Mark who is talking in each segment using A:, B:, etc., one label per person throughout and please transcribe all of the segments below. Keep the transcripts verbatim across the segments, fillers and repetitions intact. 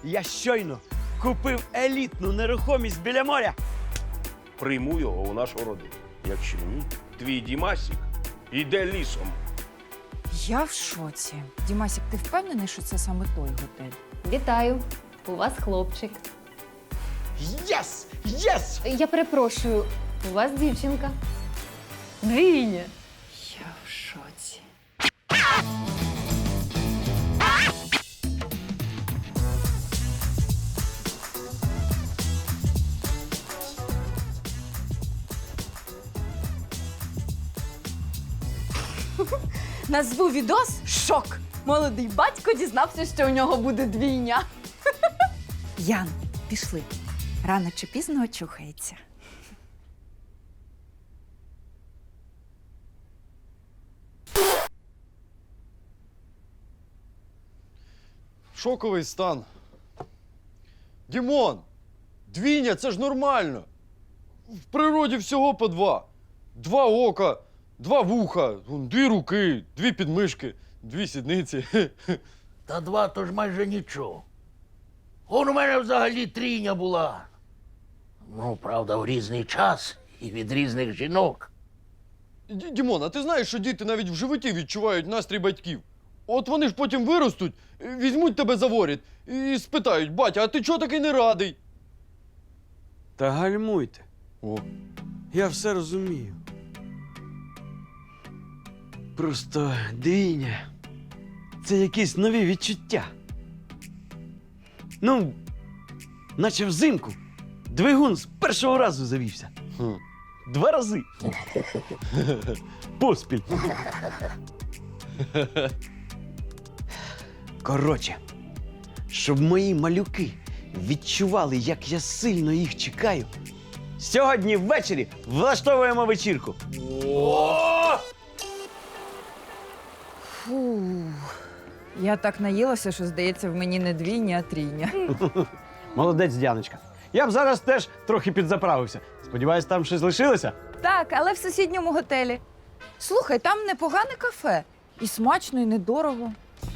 A: Я щойно купив елітну нерухомість біля моря.
B: Прийму його у нашу родину. Якщо ні, твій Дімасік іде лісом.
C: Я в шоці. Дімасік, ти впевнений, що це саме той готель?
D: Вітаю! У вас хлопчик.
A: Єс! Єс!
D: Я перепрошую, у вас дівчинка. Двійня.
C: Я в шоці. Назву відос «Шок». Молодий батько дізнався, що у нього буде двійня. Ян, пішли. Рано чи пізно очухається.
E: Шоковий стан. Дімон, двійня – це ж нормально. В природі всього по два. Два ока, два вуха, вон, дві руки, дві підмишки, дві сідниці.
F: Та два то ж майже нічого. Он у мене взагалі трійня була. Ну, правда, в різний час і від різних жінок.
E: Д- Дімон, а ти знаєш, що діти навіть в животі відчувають настрій батьків? От вони ж потім виростуть, візьмуть тебе за воріт і спитають: батя, а ти чого такий не радий?
A: Та гальмуйте.
E: О.
A: Я все розумію. Просто двійня – це якісь нові відчуття. Ну, наче взимку двигун з першого разу завівся.
E: Хм.
A: Два рази. Поспіль. Коротше, щоб мої малюки відчували, як я сильно їх чекаю, сьогодні ввечері влаштовуємо вечірку.
C: Фу. Я так наїлася, що, здається, в мені не двійня, а трійня.
A: Молодець, Діаночка. Я б зараз теж трохи підзаправився. Сподіваюсь, там щось лишилося?
C: Так, але в сусідньому готелі. Слухай, там непогане кафе. І смачно, і недорого.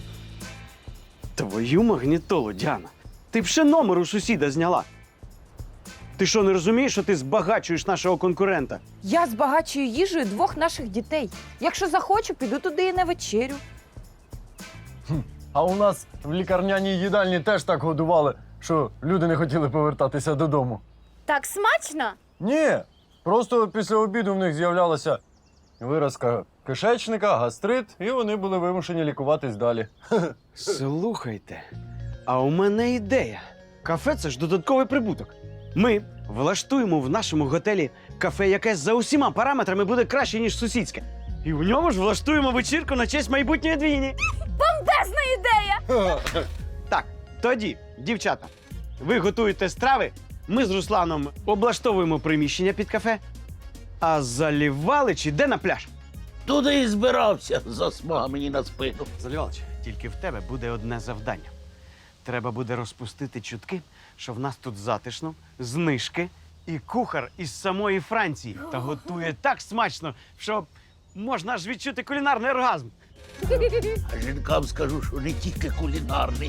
A: Твою магнітолу, Діана. Ти б ще номер у сусіда зняла. Ти що, не розумієш, що ти збагачуєш нашого конкурента?
C: Я збагачую їжею двох наших дітей. Якщо захочу, піду туди і на вечерю.
E: А у нас в лікарняній їдальні теж так годували, що люди не хотіли повертатися додому.
G: Так смачно?
E: Ні, просто після обіду в них з'являлася виразка кишечника, гастрит, і вони були вимушені лікуватись далі.
A: Слухайте, а у мене ідея. Кафе – це ж додатковий прибуток. Ми влаштуємо в нашому готелі кафе, яке за усіма параметрами буде краще, ніж сусідське. І в ньому ж влаштуємо вечірку на честь майбутньої двійні.
G: Бомбезна ідея!
A: Так, тоді, дівчата, ви готуєте страви, ми з Русланом облаштовуємо приміщення під кафе, а Залівалич іде на пляж.
F: Туди і збирався, засмага мені на спину.
A: Залівалич, тільки в тебе буде одне завдання. Треба буде розпустити чутки, що в нас тут затишно, знижки і кухар із самої Франції. Та готує так смачно, що можна аж відчути кулінарний оргазм.
F: А жінкам скажу, що не тільки кулінарний.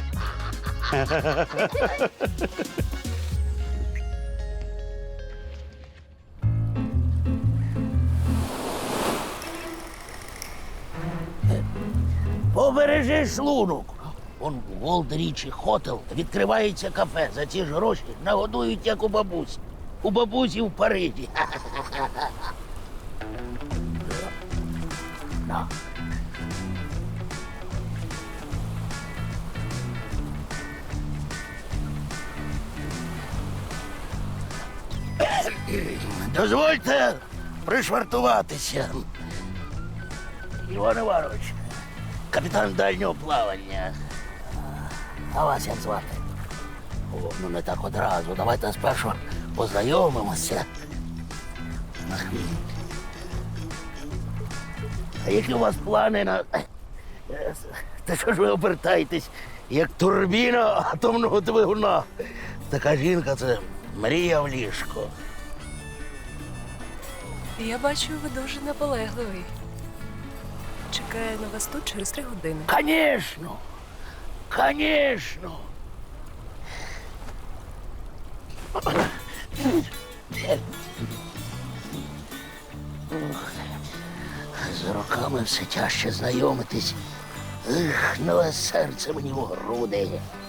F: Побережи шлунок. Он в Олд-Річі Хотел відкривається кафе. За ці ж гроші нагодують, як у бабусі. У бабусі в Парижі. На. Дозвольте пришвартуватися. Іван Іванович, капітан дальнього плавання. А вас як звати? О, ну не так одразу. Давайте спершу познайомимося. А які у вас плани на... Та що ж ви обертаєтесь, як турбіна атомного двигуна? Така жінка – це мрія в ліжко.
H: Я бачу, ви дуже наполегливий. Чекаю на вас тут через три години.
F: Конечно! Конечно! З роками все тяжче знайомитись. Ех, нове серце мені в груди.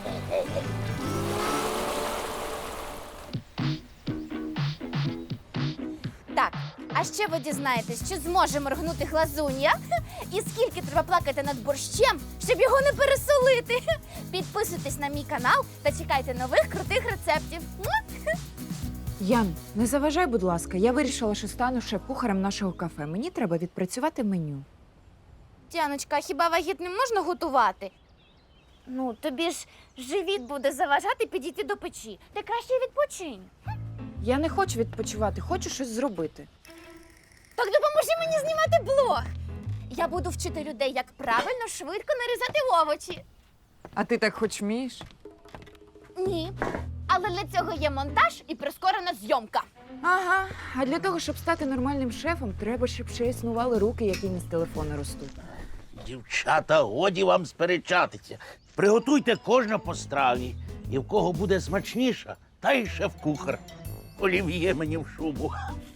G: Так, а ще ви дізнаєтесь, чи зможе моргнути глазун'я? І скільки треба плакати над борщем, щоб його не пересолити. Підписуйтесь на мій канал та чекайте нових крутих рецептів.
C: Ян, не заважай, будь ласка. Я вирішила, що стану шеф-кухарем нашого кафе. Мені треба відпрацювати меню.
G: Діаночка, а хіба вагітним можна готувати? Ну, тобі ж живіт буде заважати підійти до печі. Ти краще відпочинь.
C: Я не хочу відпочивати, хочу щось зробити.
G: Так допоможи мені знімати блог. Я буду вчити людей, як правильно, швидко нарізати овочі.
C: А ти так хоч вмієш?
G: Ні. Але для цього є монтаж і прискорена зйомка.
C: Ага. А для того, щоб стати нормальним шефом, треба, щоб ще існували руки, які не з телефону ростуть.
F: Дівчата, годі вам сперечатися. Приготуйте кожна по страві. І в кого буде смачніша, та й шеф-кухар. Олів'є мені в шубу.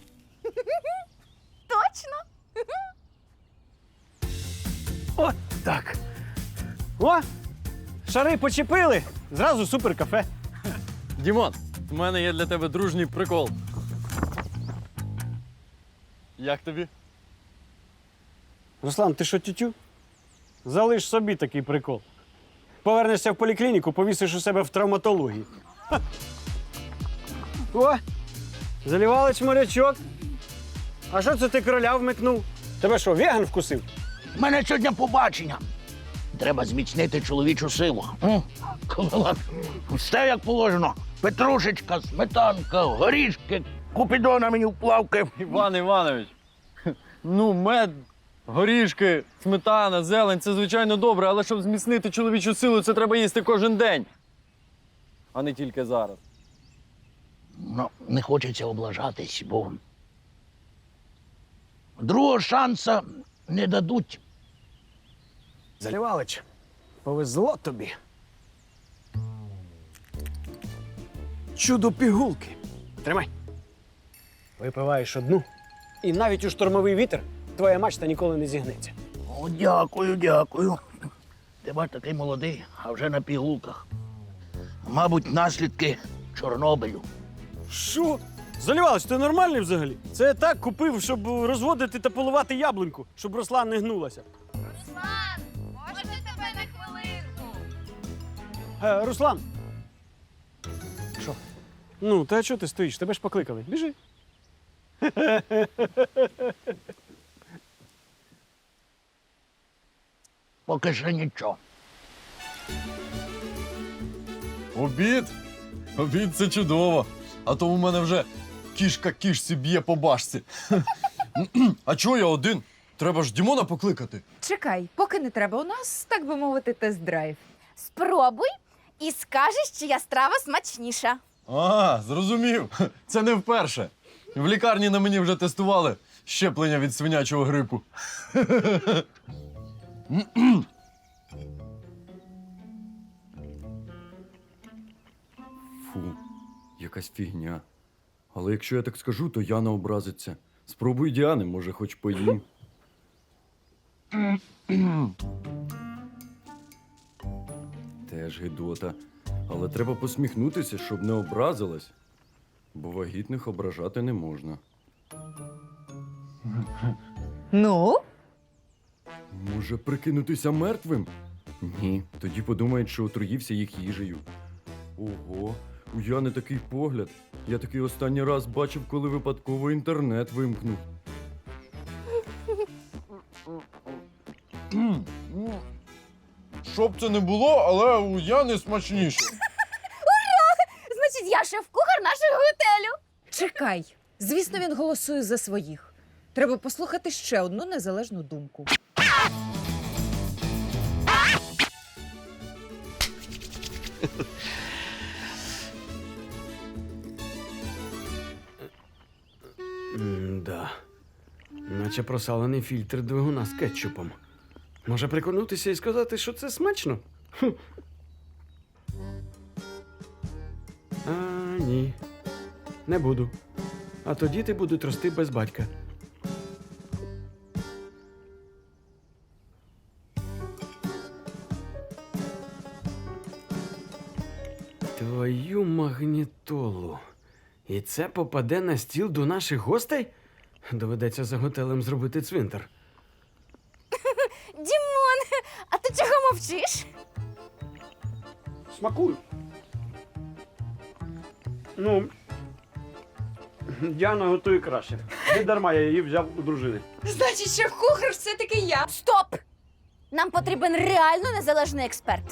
G: Точно?
A: От так. О! Шари почепили. Зразу супер кафе.
E: Дімон, у мене є для тебе дружній прикол. Як тобі?
A: Руслан, ти що, тютю? Залиш собі такий прикол. Повернешся в поліклініку, повісиш у себе в травматології. Ха. О! Залівалич морячок. А що це ти кроля вмикнув? Тебе що, веган вкусив?
F: У мене сьогодні побачення. Треба зміцнити чоловічу силу. М? Ковалак, все як положено. Петрушечка, сметанка, горішки, купідона мені в плавки.
E: Іван Іванович, ну, мед, горішки, сметана, зелень це звичайно добре, але щоб зміцнити чоловічу силу, це треба їсти кожен день. А не тільки зараз.
F: Ну, не хочеться облажатись, бо другого шанса не дадуть.
A: Залівалич, повезло тобі. Чудо пігулки. Тримай. Випиваєш одну, і навіть у штормовий вітер твоя мачта ніколи не зігнеться.
F: О, дякую, дякую. Ти бач, такий молодий, а вже на пігулках. Мабуть, наслідки Чорнобилю.
A: Що? Залівалич, ти нормальний взагалі? Це я так купив, щоб розводити та поливати яблуньку, щоб росла не гнулася.
G: Руслан, можна тебе на хвилинку?
A: Е, Руслан. Що? Ну, та чого ти стоїш? Тебе ж покликали. Біжи.
F: Поки що нічого.
E: Обід? Обід це чудово. А то у мене вже кішка кішці б'є по башці. А чого я один? Треба ж Дімона покликати.
C: Чекай, поки не треба. У нас, так би мовити, тест-драйв.
G: Спробуй і скажеш, чия страва смачніша.
E: А, зрозумів. Це не вперше. В лікарні на мені вже тестували щеплення від свинячого грипу.
I: Фу, якась фігня. Але якщо я так скажу, то Яна образиться. Спробуй Діани, може, хоч поїм. Теж гидота. Але треба посміхнутися, щоб не образилась. Бо вагітних ображати не можна.
C: Ну?
I: Може, прикинутися мертвим? Ні, тоді подумають, що отруївся їх їжею. Ого, у Яни такий погляд. Я такий останній раз бачив, коли випадково інтернет вимкнув.
E: Щоб це не було, але у Яни смачніше.
G: Значить, я шеф-кухар нашого готелю.
C: Чекай. Звісно, він голосує за своїх. Треба послухати ще одну незалежну думку.
A: М-да. Наче просалений фільтр двигуна з кетчупом. Може приконутися і сказати, що це смачно? Хм. А, ні. Не буду. А то діти будуть рости без батька. Твою магнітолу. І це попаде на стіл до наших гостей? Доведеться за готелем зробити цвинтар.
G: Дімон, а ти чого мовчиш?
A: Смакую. Ну, Діана готує краще. Не дарма я її взяв у дружини.
C: Значить, що кухар все-таки я.
G: Стоп! Нам потрібен реально незалежний експерт.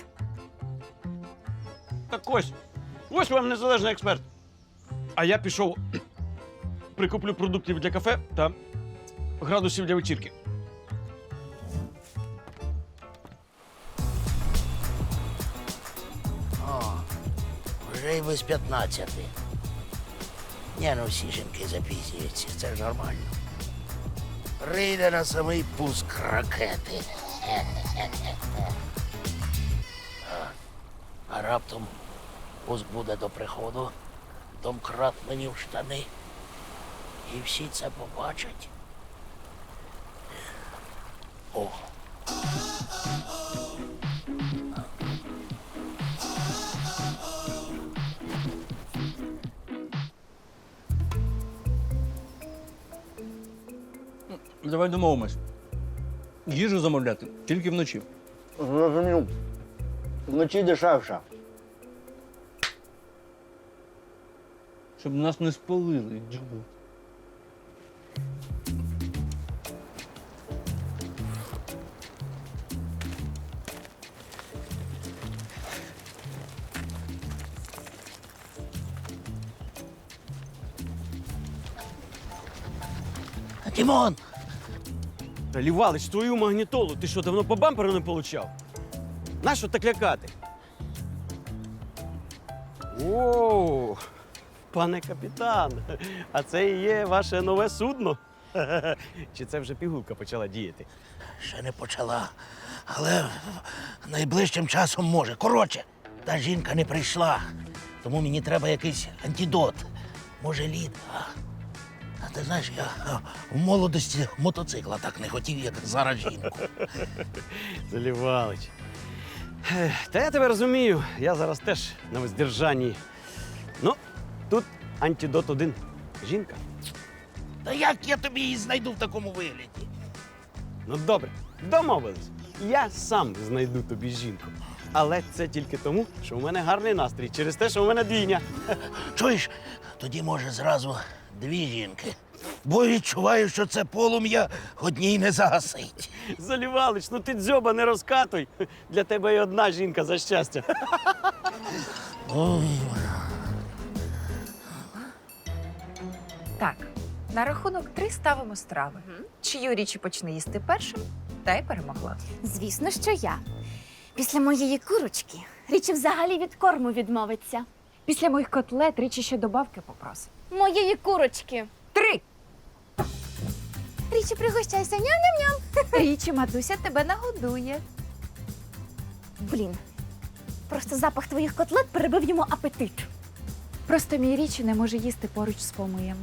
A: Так ось, ось вам незалежний експерт. А я пішов, прикуплю продуктів для кафе та градусів для вечірки.
F: О, вже й без п'ятнадцяти. Ні, ну всі жінки запізнюються, це ж нормально. Прийде на самий пуск ракети. А, а раптом пуск буде до приходу, домкрат мені в штани. І всі це побачать. О.
J: Давай домовимось. Їжу замовляти тільки вночі.
F: Зрозумів. Вночі дешевше.
J: Щоб нас не спалили. Джабу.
F: Дімон!
A: Та Лівалич, твою магнітолу, ти що, давно по бамперу не получав? Нащо так лякати? О, пане капітан, а це і є ваше нове судно? Чи це вже пігулка почала діяти?
F: Ще не почала, але найближчим часом може. Коротше, та жінка не прийшла, тому мені треба якийсь антидот. Може, лід. А, а ти знаєш, я а, в молодості мотоцикла так не хотів, як зараз жінку.
A: Залівалич. Ех, Та я тебе розумію, я зараз теж на воздержанні. Ну, тут антидот один. Жінка.
F: Та як я тобі її знайду в такому вигляді?
A: Ну добре, домовились. Я сам знайду тобі жінку. Але це тільки тому, що у мене гарний настрій, через те, що у мене двійня.
F: Чуєш, тоді може зразу дві жінки. Бо відчуваю, що це полум'я одній не загасить.
A: Залівалич, ну ти дзьоба не розкатуй. Для тебе і одна жінка за щастя.
F: Ой.
C: Так, на рахунок три ставимо страви. Чию річі почне їсти першим, та й перемогла.
G: Звісно, що я. Після моєї курочки Річі взагалі від корму відмовиться.
C: Після моїх котлет річі ще добавки попросить.
G: Моєї курочки.
C: Три!
G: Річі, пригощайся, ням-ням-ням.
C: Річі, матуся тебе нагодує.
G: Блін, просто запах твоїх котлет перебив йому апетит.
C: Просто мій річі не може їсти поруч з помиями.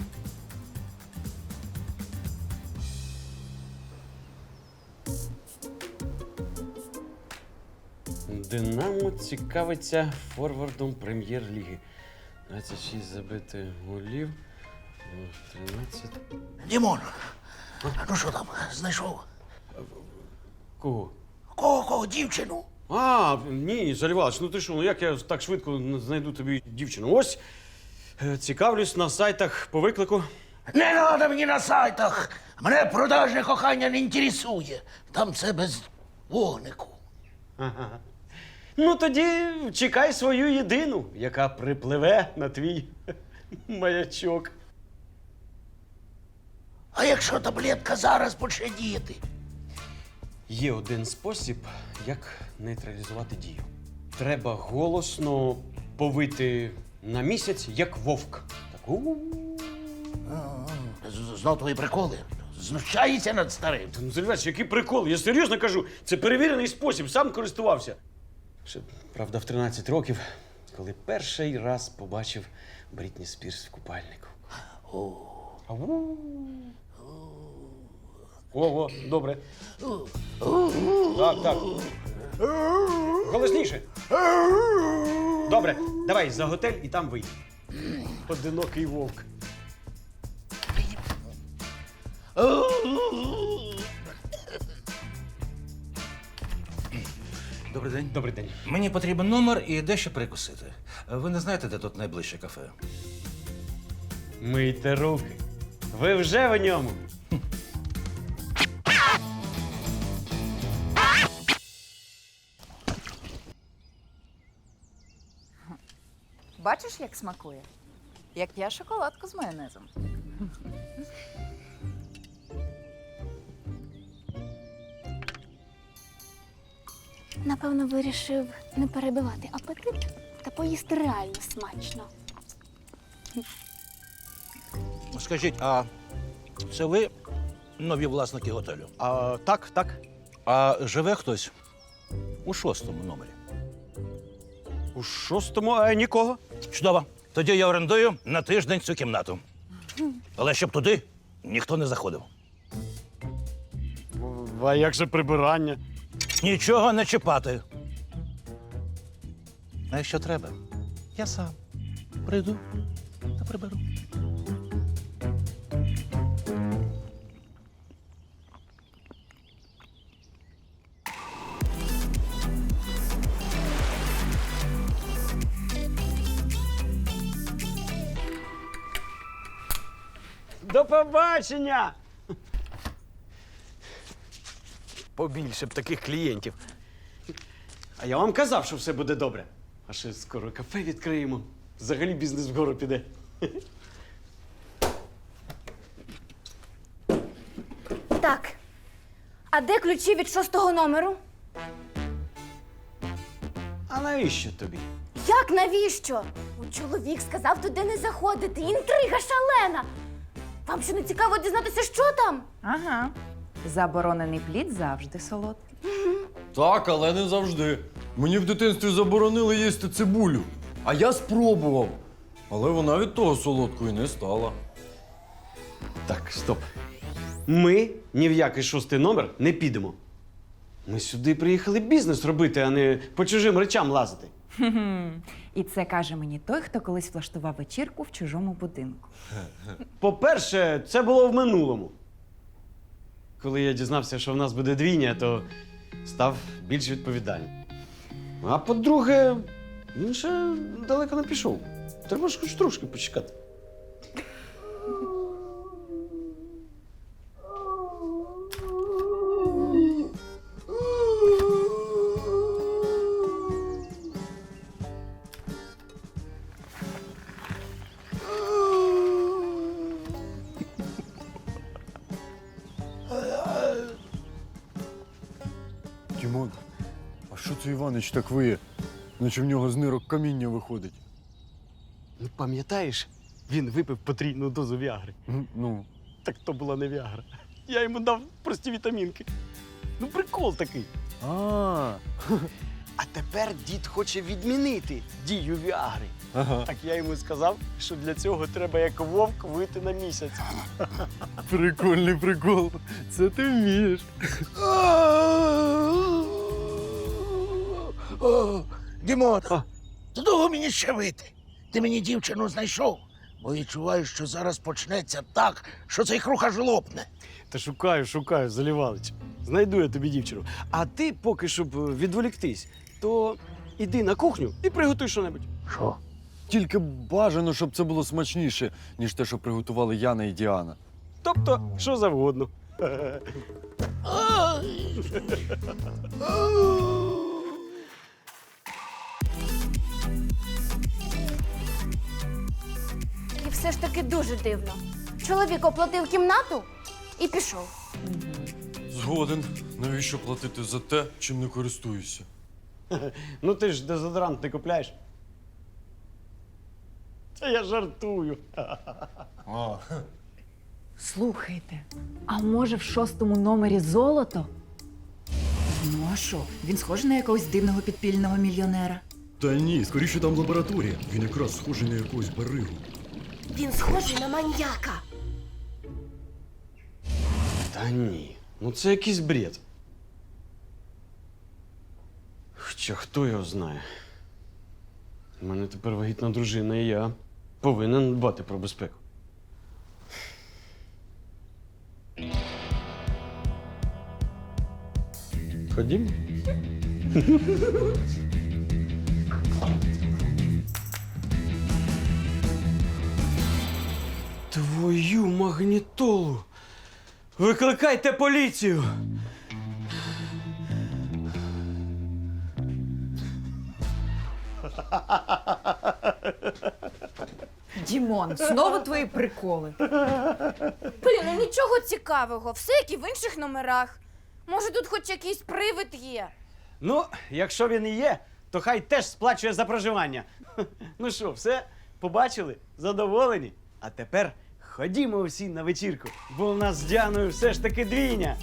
A: Динамо цікавиться форвардом прем'єр-ліги. двадцять шість забитих голів, тринадцять.
F: Дімон, ну що там, знайшов?
A: Кого?
F: Кого, кого, дівчину?
A: А, ні, Залівалич, ну ти що, ну як я так швидко знайду тобі дівчину? Ось, е, цікавлюсь на сайтах по виклику.
F: Не треба мені на сайтах. Мене продажне кохання не інтересує. Там це без вогнику.
A: Ага. Ну тоді чекай свою єдину, яка припливе на твій маячок.
F: А якщо таблетка зараз почне діяти?
A: Є один спосіб, як нейтралізувати дію. Треба голосно повити на місяць, як вовк. Так, у.
F: З- Знов твої приколи. Знущається над старим.
A: Ну, Залівалич, який прикол? Я серйозно кажу, це перевірений спосіб, сам користувався. Ще, правда, в тринадцять років, коли перший раз побачив Брітні Спірс в купальнику.
F: О,
A: О, о, добре. Так, так. Голосніше. Добре, давай за готель і там вийди. Одинокий вовк.
K: Добрий день.
A: Добрий день.
K: Мені потрібен номер і дещо прикусити. Ви не знаєте, де тут найближче кафе?
A: Мийте руки. Ви вже в ньому.
C: Бачиш, як смакує? Як я шоколадку з майонезом.
G: Напевно, вирішив не перебивати апетит та поїсти реально смачно.
K: Скажіть, а це ви нові власники готелю?
A: А, так, так.
K: А живе хтось у шостому номері?
A: У шостому а, нікого.
K: Чудово. Тоді я орендую на тиждень цю кімнату. Але щоб туди ніхто не заходив.
A: А як же прибирання?
K: Нічого не чіпати. А якщо треба, я сам прийду та приберу.
A: До побачення! Побільше б таких клієнтів. А я вам казав, що все буде добре. А ще скоро кафе відкриємо. Взагалі бізнес вгору піде.
G: Так. А де ключі від шостого номеру?
A: А навіщо тобі?
G: Як навіщо? Ну, чоловік сказав туди не заходити. Інтрига шалена. Вам що не цікаво дізнатися, що там?
C: Ага. Заборонений плід завжди солодкий.
E: Так, але не завжди. Мені в дитинстві заборонили їсти цибулю. А я спробував. Але вона від того солодкою не стала.
A: Так, стоп. Ми ні в який шостий номер не підемо. Ми сюди приїхали бізнес робити, а не по чужим речам лазити.
C: І це каже мені той, хто колись влаштував вечірку в чужому будинку.
A: По-перше, це було в минулому. Коли я дізнався, що в нас буде двійня, то став більш відповідальним. А по-друге, він ще далеко не пішов. Треба ж хоч трошки почекати.
E: Дімон, а що це Іванич так виє? Наче в нього з нирок каміння виходить.
A: Ну, пам'ятаєш, він випив потрійну дозу віагри.
E: М, Ну,
A: Так то була не віагра. Я йому дав прості вітамінки. Ну, прикол такий.
E: а,
A: А тепер дід хоче відмінити дію віагри.
E: ага.
A: Так я йому сказав, що для цього треба як вовк вийти на місяць.
E: Прикольний прикол. Це ти вмієш.
F: О, Дімон, до того мені ще вийти. Ти мені дівчину знайшов, бо відчуваю, що зараз почнеться так, що цей круг аж лопне.
A: Та шукаю, шукаю, Залівалич. Знайду я тобі дівчину. А ти поки, щоб відволіктись, то іди на кухню і приготуй що-небудь.
F: Що?
E: Тільки бажано, щоб це було смачніше, ніж те, що приготували Яна і Діана.
A: Тобто, що завгодно.
G: І все ж таки дуже дивно. Чоловік оплатив кімнату і пішов.
E: Згоден. Навіщо платити за те, чим не користуюся?
A: Ну ти ж дезодорант не купляєш. Це я жартую.
E: А,
C: Слухайте, а може в шостому номері золото? Ну а що? Він схожий на якогось дивного підпільного мільйонера.
I: Та ні, скоріше там лабораторія. Він якраз схожий на якогось баригу.
H: Він схожий на маньяка.
A: Та ні, ну це якийсь бред. Хоча хто його знає? У мене тепер вагітна дружина, і я повинен дбати про безпеку. Ходім? Твою магнітолу! Викликайте поліцію!
C: Дімон, знову твої приколи.
G: Блін, ну нічого цікавого, все як і в інших номерах. Може, тут хоч якийсь привид є.
A: Ну, якщо він і є, то хай теж сплачує за проживання. Ну що, все? Побачили? Задоволені? А тепер ходімо всі на вечірку, бо у нас з Діаною все ж таки двійня.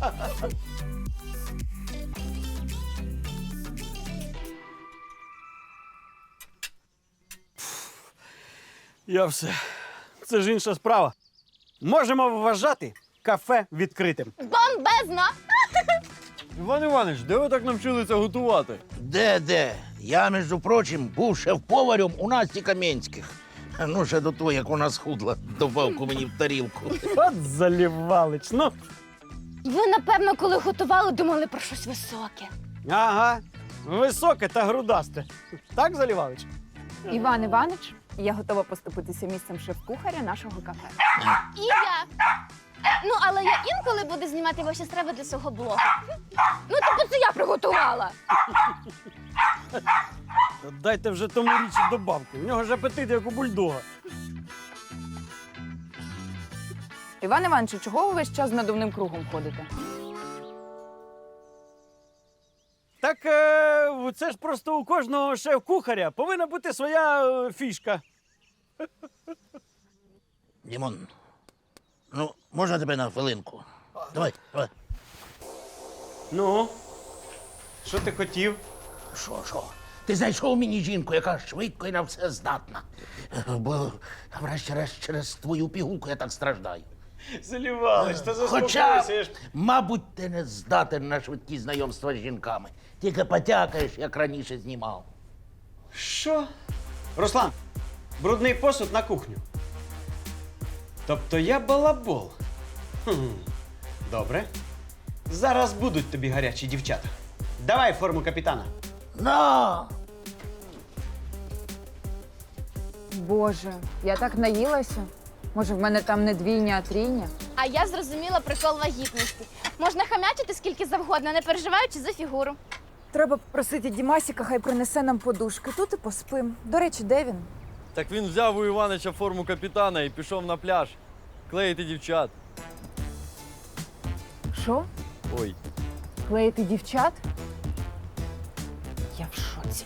A: Я все. Це ж інша справа. Можемо вважати кафе відкритим.
G: Бомбезно!
E: Іван Іванович, де ви так навчилися готувати?
F: Де, де? Я, між прочим, був шеф-поварем у Насті Кам'янських. Ну, ще до того, як вона схудла, добавку мені в тарілку.
A: От залівалич, ну.
G: Ви, напевно, коли готували, думали про щось високе.
A: Ага, високе та грудасте. Так, Залівалич?
C: Іван Іванович, я готова поступитися місцем шеф-кухаря нашого кафе.
G: І я. Ну, але я інколи буду знімати ваші страви для свого блогу. Ну, тобто це я приготувала.
A: Дайте вже тому річі добавки. У нього ж апетит, як у бульдога.
C: Іван Іванович, чого ви весь час з надувним кругом ходите?
A: Так е, це ж просто у кожного шеф-кухаря повинна бути своя е, фішка.
F: Дімон, ну, можна тебе на хвилинку? Давай, давай.
A: Ну, що ти хотів?
F: Що, що? Ти знайшов мені жінку, яка швидко і на все здатна. Бо, врешті-решт, через твою пігулку я так страждаю.
A: Залівалич, та
F: Хоча,
A: заспокойся. я ж-
F: мабуть, ти не здатен на швидкі знайомства з жінками. Тільки потякаєш, як раніше знімав.
A: Що? Руслан, брудний посуд на кухню. Тобто я балабол. Хм. Добре. Зараз будуть тобі гарячі дівчата. Давай форму капітана.
F: На!
C: Боже, я так наїлася. Може, в мене там не двійня, а трійня?
G: А я зрозуміла прикол вагітності. Можна хамячити скільки завгодно, не переживаючи за фігуру.
C: Треба попросити Дімасіка, хай принесе нам подушки. Тут і поспим. До речі, де він?
E: Так він взяв у Іванича форму капітана і пішов на пляж. Клеїти дівчат.
C: Що?
E: Ой.
C: Клеїти дівчат? Я в шоці.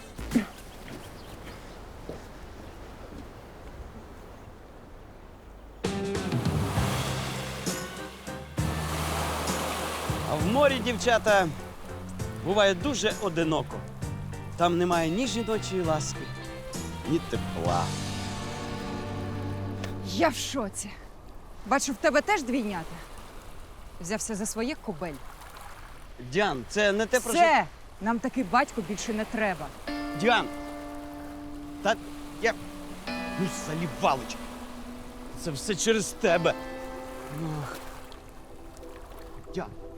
A: А в морі, дівчата, буває дуже одиноко. Там немає ні жіночої ласки, ні тепла.
L: Я в шоці. Бачу, в тебе теж двійнята. Взявся за своє кобель.
A: Діан, це не те, про що...
L: Все! Нам такий батько більше не треба.
A: Діан! Та я... Ну, Залівалич! Це все через тебе. Ох. Діан,